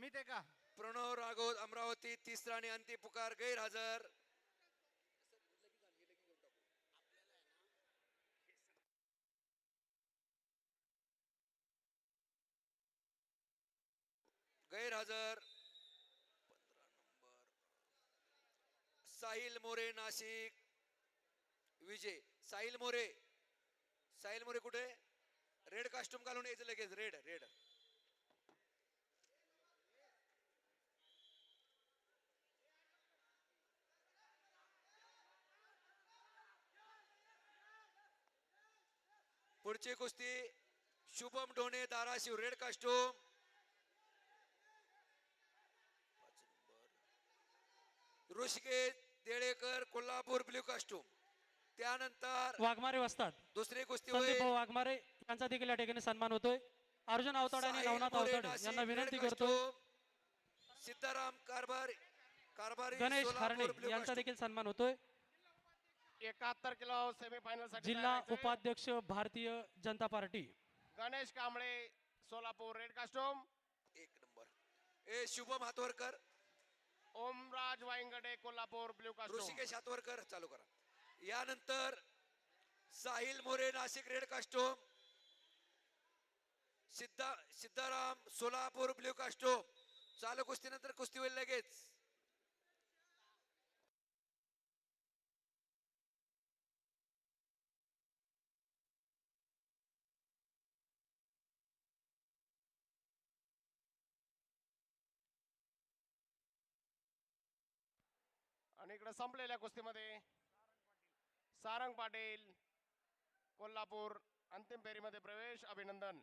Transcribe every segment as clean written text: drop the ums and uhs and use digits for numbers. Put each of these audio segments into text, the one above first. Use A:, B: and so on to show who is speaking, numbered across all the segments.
A: अमित आहे का?
B: प्रणव राघव अमरावती तिसरा आणि अंतिम पुकार गैरहजर. गैरहजर 15 नंबर साहिल मोरे नाशिक विजय. साहिल मोरे, साहिल मोरे कुठे? रेड कास्ट्यूम घालून यायचं लगेच. Red red. पुढची कुस्ती Shubham Dhone Dharashiv red costume. Hrishikesh Delekar Kolhapur blue costume. त्यानंतर
C: वाघमारे वस्ताद
B: दुसरी कुस्ती
C: संदीप
B: होईल
C: भाऊ वाघमारे यांचा देखील या ठिकाणी सन्मान होतोय. अर्जुन अवताडे आणि
B: साहिल
C: नवनाथ
B: मोरे
C: अवताडे
B: नाशिक
C: यांना
B: रेड
C: विनंती करतोय.
B: कास्ट्यूम. सीताराम कारभारी
C: गणेश
B: सोलापूर
C: खारणे
B: ब्ल्यू
C: यांचा
B: कास्ट्यूम.
C: देखील सन्मान होतोय.
D: 71 किलो सेमीफायनल साठी
C: जिल्हा
D: तयार व्हायचंय.
C: उपाध्यक्ष भारतीय जनता पार्टी.
D: Ganesh Kamble Solapur red costume.
B: एक नंबर. ए शुभम हातवरकर.
D: Omraj Waingade Kolhapur blue costume.
B: ऋषिकेश हातवरकर चालू करा. यानंतर Sahil More Nashik red costume. Siddharam Solapur blue costume. चालू कुस्तीनंतर कुस्ती होईल लगेच.
D: आणि इकडे संपलेल्या कुस्तीमध्ये सारंग पाटील कोल्हापूर अंतिम फेरीमध्ये प्रवेश. अभिनंदन.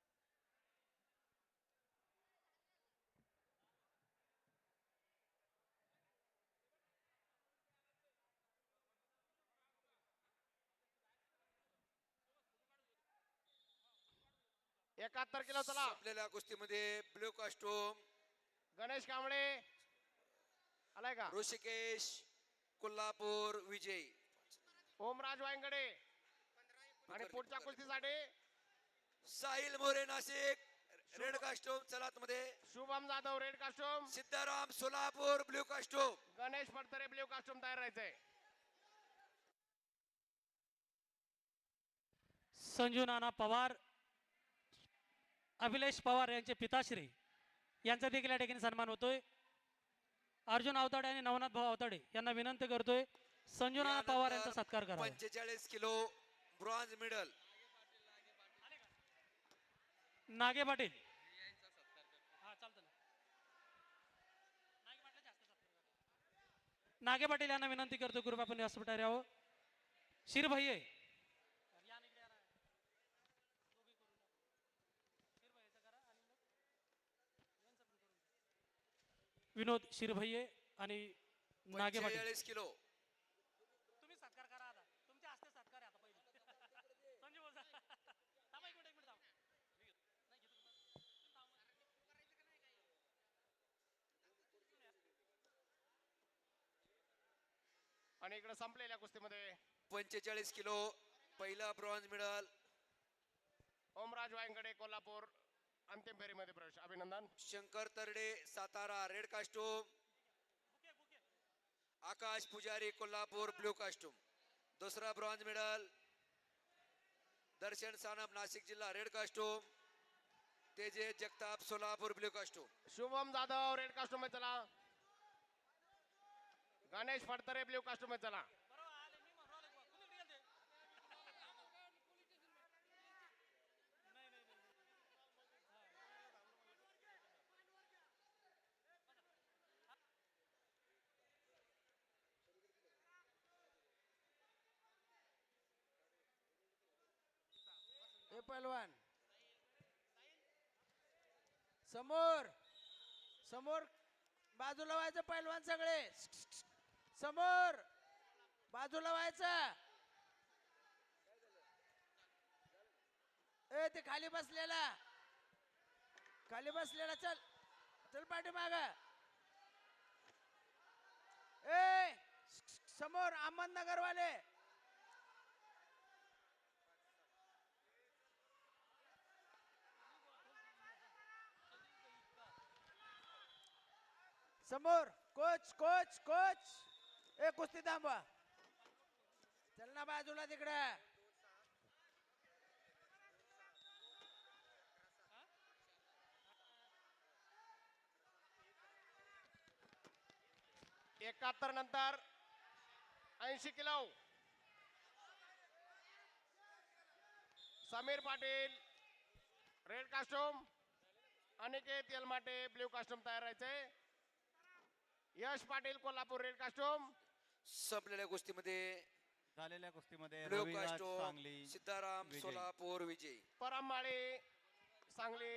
D: एकाहत्तर किलो चला.
B: आपल्याला कुस्तीमध्ये ब्ल्यू कास्ट्यूम
D: गणेश कांबळे आलाय का?
B: ऋषिकेश कोल्हापूर विजय.
D: ओमराज वायंगडे. आणि पुढच्या कुस्तीसाठी
B: साहिल मोरे नाशिक रेड कास्ट्यूम. चला आतमध्ये.
D: Shubham Jadhav red costume.
B: Siddharam Solapur blue costume.
D: Ganesh Phadtare blue costume तयार राहायचंय.
C: संजू नाना पवार, अभिलेश पवार यांचे पिताश्री यांचा देखील या ठिकाणी सन्मान होतोय. अर्जुन अवताडे आणि नवनाथ भाऊ अवताडे यांना विनंती करतोय संजू नाना पवार यांचा सत्कार करा.
B: 45 किलो ब्रॉन्झ मेडल
C: नागे पाटील. नागे पाटील यांना विनंती करतो कृपया आपण व्यासपीठावर यावं. शिरभैये विनोद शिरभैये आणि नागे पाटील.
B: 45 किलो.
C: तुम्ही सत्कार करा आता. तुमच्या हस्ते सत्कार आहे आता पहिले. संजू बोल. थांबा एक मिनिट थांबा.
D: आणि इकडे संपलेल्या कुस्तीमध्ये
B: 45 किलो पहिला ब्रॉन्झ मेडल
D: ओमराज वायंगडे कोल्हापूर अंतिम फेरीमध्ये प्रवेश. अभिनंदन.
B: Shankar Tarade Satara red costume. Akash Pujari Kolhapur blue costume. दुसरा ब्रॉन्झ मेडल दर्शन सानप नाशिक जिल्हा red costume. Teje Jagtap Solapur blue costume.
D: Shubham Jadhav red costume में चला. गणेश फडतरे ब्ल्यू कास्टोम में चला.
E: हे पहलवान समोर समोर बाजूला व्हायचं. पहलवान सगळे समोर बाजूला व्हायचं. ए ते खाली बसलेला चल चल पाठीमाग. ए समोर अहमदनगर वाले. समोर कोच कोच कोच. ए कुस्ती थांबवा. चल ना बाजूला तिकडे.
D: एकाहत्तर नंतर 80 kilo. Sameer Patil red costume, Aniket Yelmate blue costume तयार राहायचे. Yash Patil Kolhapur red costume.
B: संपलेल्या कुस्तीमध्ये
A: झालेल्या कुस्तीमध्ये
B: ब्ल्यू
A: रविराज
B: कास्टोम
A: सांगली
B: सिद्धाराम
A: विजयी.
B: सोलापूर विजयी.
D: परममाळी सांगली